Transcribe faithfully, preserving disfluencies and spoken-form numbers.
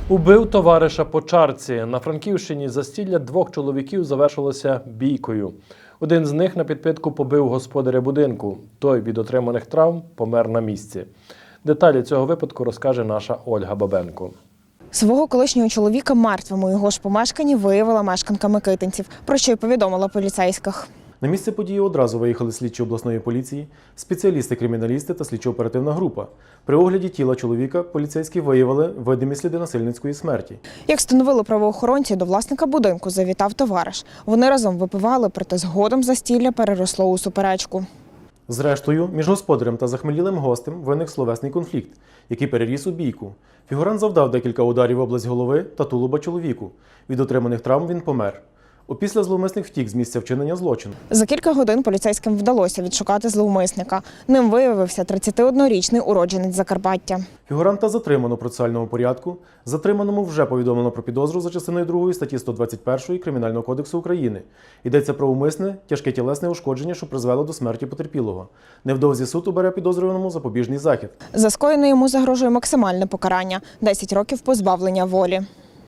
Убив товариша по чарці. На Франківщині застілля двох чоловіків завершилося бійкою. Один з них на підпитку побив господаря будинку. Той від отриманих травм помер на місці. Деталі цього випадку розкаже наша Ольга Бабенко. Свого колишнього чоловіка мертвим у його ж помешканні виявила мешканка Микитинців, про що й повідомила поліцейських. На місце події одразу виїхали слідчі обласної поліції, спеціалісти-криміналісти та слідчо-оперативна група. При огляді тіла чоловіка поліцейські виявили видимі сліди насильницької смерті. Як встановили правоохоронці, до власника будинку завітав товариш. Вони разом випивали, проте згодом застілля переросло у суперечку. Зрештою, між господарем та захмелілим гостем виник словесний конфлікт, який переріс у бійку. Фігурант завдав декілька ударів в область голови та тулуба чоловіку. Від отриманих травм він помер. Опісля зловмисник втік з місця вчинення злочину. За кілька годин поліцейським вдалося відшукати зловмисника. Ним виявився тридцятиоднорічний уродженець Закарпаття. Фігуранта затримано в процесуальному порядку. Затриманому вже повідомлено про підозру за частиною другої статті сто двадцять першої Кримінального кодексу України. Йдеться про умисне, тяжке тілесне ушкодження, що призвело до смерті потерпілого. Невдовзі суд обере підозрюваному запобіжний захід. За скоєне йому загрожує максимальне покарання – десять років позбавлення волі.